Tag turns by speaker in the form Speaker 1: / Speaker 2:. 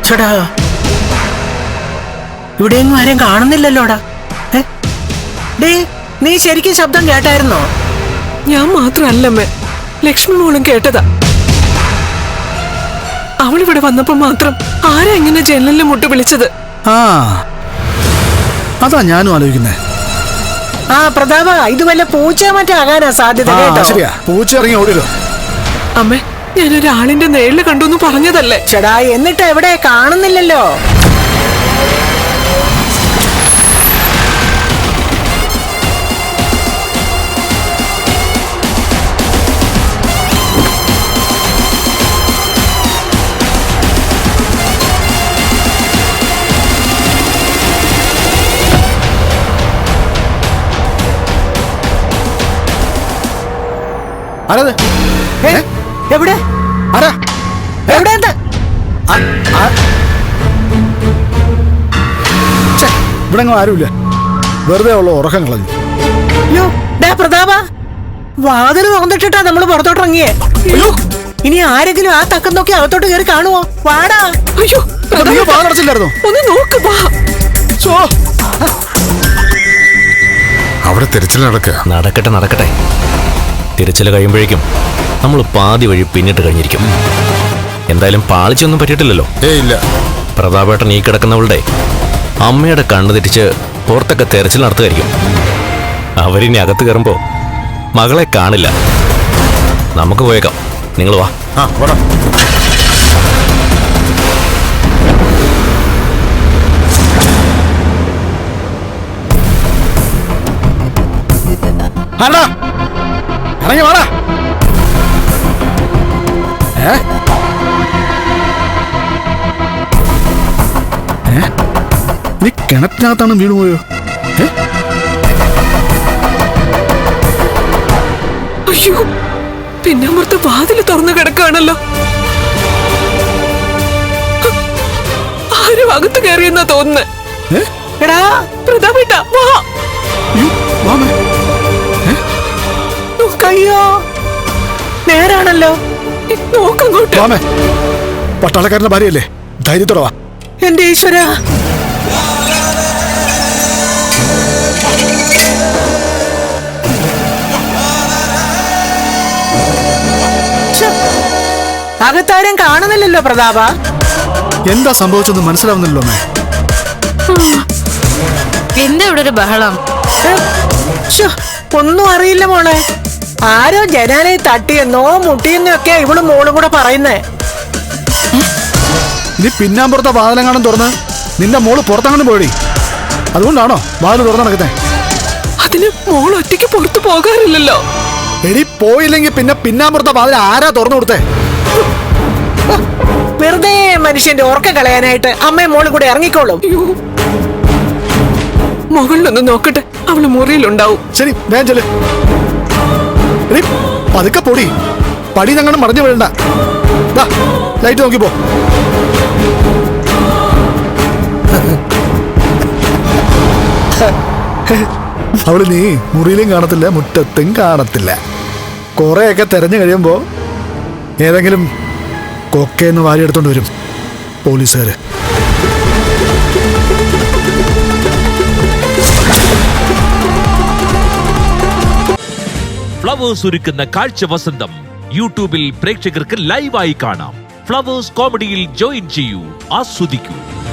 Speaker 1: ചേടാ ഇവിടെയൊന്നും ആരും കാണുന്നില്ലല്ലോടാ. ഡേ നീ ശരിക്കും ശബ്ദം കേട്ടായിരുന്നോ?
Speaker 2: ഞാൻ മാത്രല്ലമ്മേ, ലക്ഷ്മി മോളും കേട്ടതാ. അവളിവിടെ വന്നപ്പോ മാത്രം ആരാ ഇങ്ങനെ ജനലിൽ മുട്ട് വിളിച്ചത്?
Speaker 3: ആ അതാ ഞാനും ആലോചിക്കുന്നേ.
Speaker 1: ആ പ്രതാപ, ഇത് വല്ല പൂച്ച മറ്റാകാനാ സാധ്യത കേട്ടോ.
Speaker 3: ശരിയാ, പൂച്ച ഇറങ്ങി ഓടില്ലോ.
Speaker 2: അമ്മേ, ഞാനൊരാളിന്റെ നേരില് കണ്ടു പറഞ്ഞതല്ലേ.
Speaker 1: ചേടാ എന്നിട്ട് എവിടെ കാണുന്നില്ലല്ലോ.
Speaker 3: ആരത്?
Speaker 1: എവിടെ
Speaker 3: ആരാ?
Speaker 1: എവിടെ?
Speaker 3: ഇവിടെ ആരുമില്ല, വെറുതെ ഉള്ള ഉറക്കം കളഞ്ഞു.
Speaker 1: അയ്യോ ഡാ പ്രതാപ, വാതില് തുറന്നിട്ടിട്ടാ നമ്മള് പുറത്തോട്ടിറങ്ങിയേ. അയ്യോ ഇനി ആരെങ്കിലും ആ തക്കം നോക്കി അകത്തോട്ട് കയറി കാണുവോ? വാടാ.
Speaker 2: അയ്യോ
Speaker 3: വാതിലടച്ചില്ലായിരുന്നോ?
Speaker 2: ഒന്ന് നോക്ക്.
Speaker 4: അവിടെ തിരച്ചിൽ
Speaker 5: നടക്കട്ടെ നടക്കട്ടെ. തിരച്ചിൽ കഴിയുമ്പോഴേക്കും നമ്മൾ പാതി വഴി പിന്നിട്ട് കഴിഞ്ഞിരിക്കും. എന്തായാലും പാളിച്ചൊന്നും പറ്റിയിട്ടില്ലല്ലോ.
Speaker 4: ഇല്ല.
Speaker 5: പ്രതാപേട്ടൻ ഈ കിടക്കുന്നവളുടെ അമ്മയുടെ കണ്ണു തെറ്റിച്ച് പുറത്തൊക്കെ തെരച്ചിൽ നടത്തുമായിരിക്കും. അവരിനി അകത്ത് കയറുമ്പോ മകളെ കാണില്ല. നമുക്ക് പോയേക്കാം, നിങ്ങൾ വാ.
Speaker 3: ഇറങ്ങി വാടാ. നീ കിണറ്റിനകത്താണ് വീണു പോയോ?
Speaker 2: അയ്യോ, പിന്നമ്പുറത്ത് വാതില് തുറന്നു കിടക്കാണല്ലോ. ആരും അകത്ത് കയറിയെന്നാ തോന്നുന്നേ.
Speaker 1: എടാ
Speaker 2: പ്രതാപേട്ട വാ.
Speaker 1: അയ്യോ നേരാണല്ലോ.
Speaker 2: നോക്കങ്ങോട്ട്.
Speaker 3: പട്ടാളക്കാരന്റെ ഭാര്യയല്ലേ, ധൈര്യത്തോടെ വാ.
Speaker 1: എന്റെ ഈശ്വര, അകത്താരും കാണുന്നില്ലല്ലോ പ്രതാപ.
Speaker 3: എന്താ സംഭവിച്ചെന്ന് മനസ്സിലാവുന്നില്ലല്ലോ അമ്മേ.
Speaker 6: എന്താ ഇവിടെ ഒരു ബഹളം?
Speaker 1: ഒന്നും അറിയില്ല മോളെ. ആരോ ജനാലയെ തട്ടിയെന്നോ മുട്ടിയെന്നോ ഒക്കെ ഇവളും മോളും കൂടെ പറയുന്നേ.
Speaker 3: നീ പിന്നാമ്പുറത്തെ വാതിലെങ്ങാനും തുറന്ന് നിന്റെ മോള് പുറത്തങ്ങനെ പോയി. അതുകൊണ്ടാണോ വാതിൽ തുറന്നു നടക്കുന്നേ?
Speaker 2: അതിന് മോൾ ഒറ്റയ്ക്ക് പുറത്തു പോകാറില്ലല്ലോ.
Speaker 3: എടി പോയില്ലെങ്കിൽ പിന്നെ പിന്നാമ്പുറത്തെ വാതിൽ ആരാ തുറന്നു കൊടുത്തേ?
Speaker 1: വെറുതെ മനുഷ്യന്റെ ഓർക്ക കളയാനായിട്ട് അമ്മയും മോളും കൂടെ ഇറങ്ങിക്കോളും.
Speaker 2: മുകളിലൊന്ന് നോക്കട്ടെ, അവള് മുറിയിലുണ്ടാവും.
Speaker 3: ശരി, വേഗം ചെല്ല്. പതുക്കെ പൊടി, പടി ഞങ്ങൾ മറിഞ്ഞു വീഴണ്ട. ലൈറ്റ് നോക്കിപ്പോ. അവള് നീ മുറിയിലും കാണത്തില്ല, മുറ്റത്തും കാണത്തില്ല. കൊറേയൊക്കെ തെരഞ്ഞു കഴിയുമ്പോ ഏതെങ്കിലും കൊക്കയെന്ന് വാരിയെടുത്തോണ്ട് വരും പോലീസുകാര്.
Speaker 7: ഫ്ലവേഴ്സ് ഒരുക്കുന്ന കാഴ്ച വസന്തം യൂട്യൂബിൽ പ്രേക്ഷകർക്ക് ലൈവായി കാണാം. ഫ്ലവേഴ്സ് കോമഡിയിൽ ജോയിൻ ചെയ്യൂ, ആസ്വദിക്കൂ.